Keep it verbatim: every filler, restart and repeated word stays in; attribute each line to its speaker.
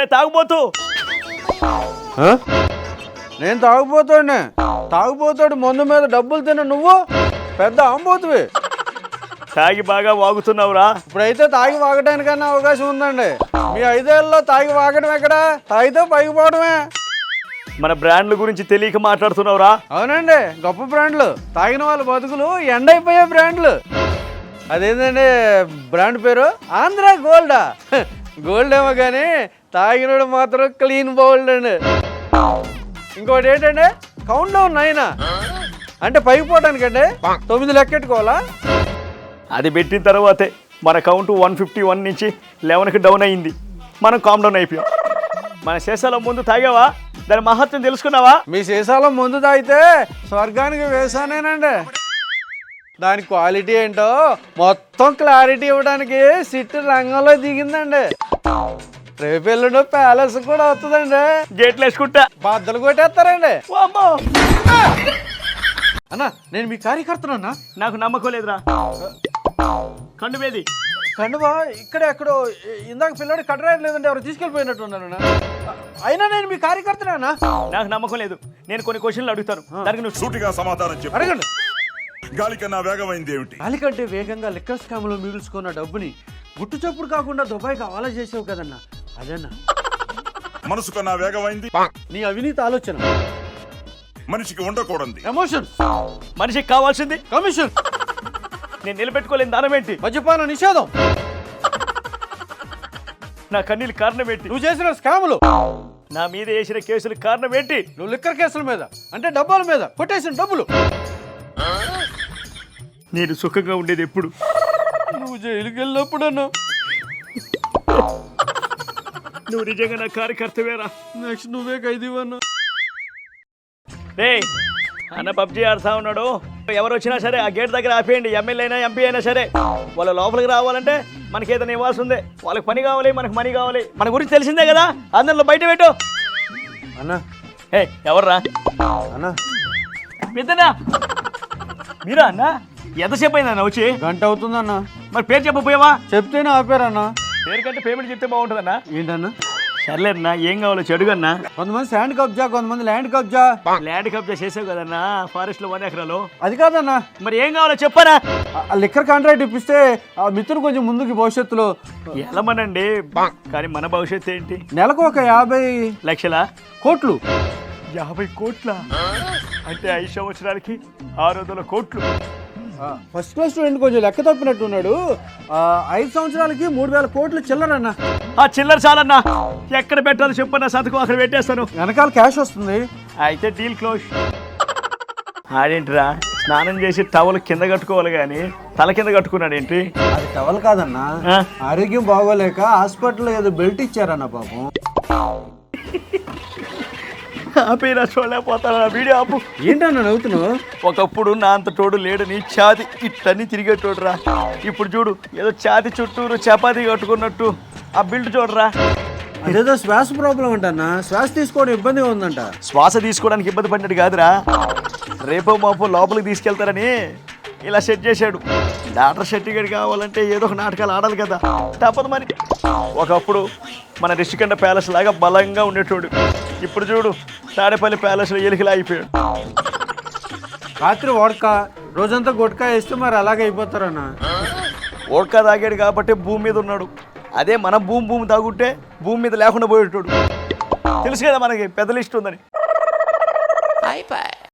Speaker 1: తాగుబోతు.
Speaker 2: నేను తాగుపోతాడునే. తాగుపోతాడు మందు మీద డబ్బులు తిన్న నువ్వు పెద్ద ఆంబోతువి.
Speaker 1: తాగి బాగా వాగుతున్నావురా.
Speaker 2: ఇప్పుడైతే తాగి వాగడానికన్నా అవకాశం ఉందండి. మీ ఐదేళ్ళలో తాగి వాగడం ఎక్కడ? తాగితే పైకి పోవడమే.
Speaker 1: మన బ్రాండ్ల గురించి తెలియక మాట్లాడుతున్నావురా.
Speaker 2: అవునండి, గొప్ప బ్రాండ్లు. తాగిన వాళ్ళ బతుకులు ఎండైపోయే బ్రాండ్లు. అదేంటండి బ్రాండ్ పేరు? ఆంధ్ర గోల్డా. గోల్డ్ ఏమో కానీ తాగినోడు మాత్రం క్లీన్ బౌల్డ్ అండి. ఇంకోటి ఏంటంటే కౌంట్ డౌన్ నైన్ అంటే పైకి పోవడానికంటే తొమ్మిది లెక్కెట్టుకోవాలా?
Speaker 1: అది పెట్టిన తర్వాతే మన కౌంట్ వన్ ఫిఫ్టీ వన్ నుంచి లెవెన్కి డౌన్ అయ్యింది. మనం కామ్ డౌన్ అయిపోయాం. మన శేషాల ముందు తాగావా? దాని మహత్వం తెలుసుకున్నావా?
Speaker 2: మీ సీసాలో ముందు తాగితే స్వర్గానికి వేసానేనండి. దాని క్వాలిటీ ఏంటో మొత్తం క్లారిటీ ఇవ్వడానికి సిట్ రంగంలో దిగిందండి. రేపు ఎల్లుండో ప్యాలెస్ కూడా వస్తుందండి.
Speaker 1: గేట్లు వేసుకుంటా
Speaker 2: బద్దలు కొట్టేస్తారండి.
Speaker 1: అమ్మో
Speaker 2: అన్నా, నేను మీ కార్యకర్తనన్నా.
Speaker 1: నాకు నమ్మకం లేదురా. కండు మీది
Speaker 2: కండువా ఇక్కడ ఎక్కడో ఇందాక పిల్లడి కట్టరాయడం లేదంటే ఎవరు తీసుకెళ్ళిపోయినట్టున్నాను. అయినా నేను మీ కార్యకర్తనా?
Speaker 1: నాకు నమ్మకం లేదు. నేను కొన్ని క్వశ్చన్లు అడుగుతాను, దానికి నువ్వు
Speaker 3: సూటిగా సమాధానం చెప్పు.
Speaker 2: అడగండి.
Speaker 3: గాలి కన్నా వేగమైంది ఏమిటి?
Speaker 2: గాలి కంటే వేగంగా లిక్కర్ స్కామ్ లో మిగుల్చుకున్న డబ్బుని గుట్టు చప్పుడు కాకుండా దుబాయ్కి హవాలా చేసావు కదన్నా, అదన్నా.
Speaker 3: మనసు కన్నా వేగమైంది
Speaker 2: నీ అవినీతి ఆలోచన.
Speaker 3: మనిషికి ఉండకూడదు
Speaker 2: ఎమోషన్.
Speaker 1: మనిషికి కావాల్సింది
Speaker 2: కమిషన్.
Speaker 1: నేను నిలబెట్టుకోలేని దానం ఏంటి?
Speaker 2: మద్యపాన నిషేధం.
Speaker 1: నా కన్నీళ్ళు కారణం ఏంటి?
Speaker 2: నువ్వు చేసిన స్కాములు.
Speaker 1: నా మీద వేసిన కేసులు కారణం ఏంటి?
Speaker 2: నువ్వు లిక్కర్ కేసుల మీద అంటే డబ్బాల మీద కొట్టేసిన డబ్బులు.
Speaker 1: నేను సుఖంగా ఉండేది ఎప్పుడు?
Speaker 2: నువ్వు జైలుకి వెళ్ళినప్పుడు అన్నా.
Speaker 1: నువ్వు నిజంగా నా కార్యకర్తవేరా.
Speaker 2: నెక్స్ట్ నువ్వే ఖైదీవన్నా.
Speaker 1: రే అన్న పబ్జీ ఆడుతా ఉన్నాడు. ఎవరు వచ్చినా సరే ఆ గేట్ దగ్గర ఆపేయండి. ఎమ్మెల్యే అయినా ఎంపీ అయినా సరే వాళ్ళ లోపలికి రావాలంటే మనకి ఏదైనా ఇవ్వాల్సి ఉంది. వాళ్ళకి పని కావాలి, మనకు మనీ కావాలి. మన గురించి తెలిసిందే కదా, అందరిలో బయట పెట్టు
Speaker 2: అన్నా.
Speaker 1: ఏ ఎవర్రా
Speaker 2: అన్నా?
Speaker 1: పెద్దనా మీరా అన్న? ఎంతసేపు అయిందన్న వచ్చి?
Speaker 2: గంట అవుతుందన్నా.
Speaker 1: మరి పేరు చెప్పపోయావా?
Speaker 2: చెప్తేనే ఆపారన్నా.
Speaker 1: పేరు కంటే పేమెంట్ చెప్తే బాగుంటుందన్నా.
Speaker 2: ఏంటన్నా?
Speaker 1: సర్లేదన్నా, ఏం కావాలో చెడుగన్నా.
Speaker 2: కొంతమంది శాండ్ కబ్జా, కొంతమంది ల్యాండ్ కబ్జా.
Speaker 1: ల్యాండ్ కబ్జా చేసావు కదన్నా ఫారెస్ట్ లో వన్ ఎకరాలు.
Speaker 2: అది కాదన్నా.
Speaker 1: మరి ఏం కావాలో చెప్పరా?
Speaker 2: లిక్కర్ కాంట్రాక్ట్ ఇప్పిస్తే ఆ మిత్రుడు కొంచెం ముందుకి భవిష్యత్తులో
Speaker 1: ఎలమనండి. కానీ మన భవిష్యత్తు ఏంటి?
Speaker 2: నెలకు ఒక యాభై
Speaker 1: లక్షల
Speaker 2: కోట్లు.
Speaker 1: యాభై కోట్ల అంటే ఐదు సంవత్సరాలకి ఆరు వందల కోట్లు.
Speaker 2: ఫస్ట్ క్లాస్ స్టూడెంట్ కొంచెం లెక్క తప్పినట్టున్నాడు. ఐదు సంవత్సరాలకి మూడు వేల కోట్లు చిల్లరన్నా.
Speaker 1: ఆ చిల్లర చాలన్నా. ఎక్కడ పెట్టాలో చెప్పన్నా, సంతకం అక్కడ పెట్టేస్తాను.
Speaker 2: వెనకాల క్యాష్ వస్తుంది.
Speaker 1: అయితే డీల్ క్లోజ్. ఆడేంటిరా స్నానం చేసి టవల్ కింద కట్టుకోవాలి కానీ తల కింద కట్టుకున్నాడు ఏంటి?
Speaker 2: అది టవల్ కాదన్నా, ఆరోగ్యం బాగోలేక హాస్పిటల్లో ఏదో బెల్ట్ ఇచ్చారన్న పాపం.
Speaker 1: ఆపేరా చూడలేకపోతాను. నా వీడియో ఆపు.
Speaker 2: ఏంటన్నా నవ్వుతున్నావు?
Speaker 1: ఒకప్పుడు నా అంత తోడు లేడని ఛాతి ఇట్టని తిరిగేటోడురా. ఇప్పుడు చూడు ఏదో ఛాతి చుట్టూరు చపాతీ కట్టుకున్నట్టు ఆ బిల్డ్ చూడరా.
Speaker 2: అదేదో శ్వాస ప్రాబ్లం అంటన్నా. శ్వాస తీసుకోవడం ఇబ్బందిగా ఉందంట.
Speaker 1: శ్వాస తీసుకోవడానికి ఇబ్బంది పడినట్టు కాదురా, రేపో మాపో లోపలికి తీసుకెళ్తారని ఇలా సెట్ చేశాడు. డాక్టర్ సర్టిఫికేట్ కావాలంటే ఏదో ఒక నాటకాలు ఆడాలి కదా, తప్పదు మరి. ఒకప్పుడు మన రిషికొండ ప్యాలెస్ లాగా బలంగా ఉండేటోడు. ఇప్పుడు చూడు తాడేపల్లి ప్యాలెస్లో ఎలికలా అయిపోయాడు.
Speaker 2: రాత్రి ఓడక రోజంతా గుట్కా వేస్తే మరి అలాగే అయిపోతారన్నా.
Speaker 1: ఓడకా తాగాడు కాబట్టి భూమి మీద ఉన్నాడు. అదే మనం భూమి భూమి తాగుంటే భూమి మీద లేకుండా పోయేటోడు. తెలుసు కదా మనకి పెద్ద లిస్ట్ ఉందని.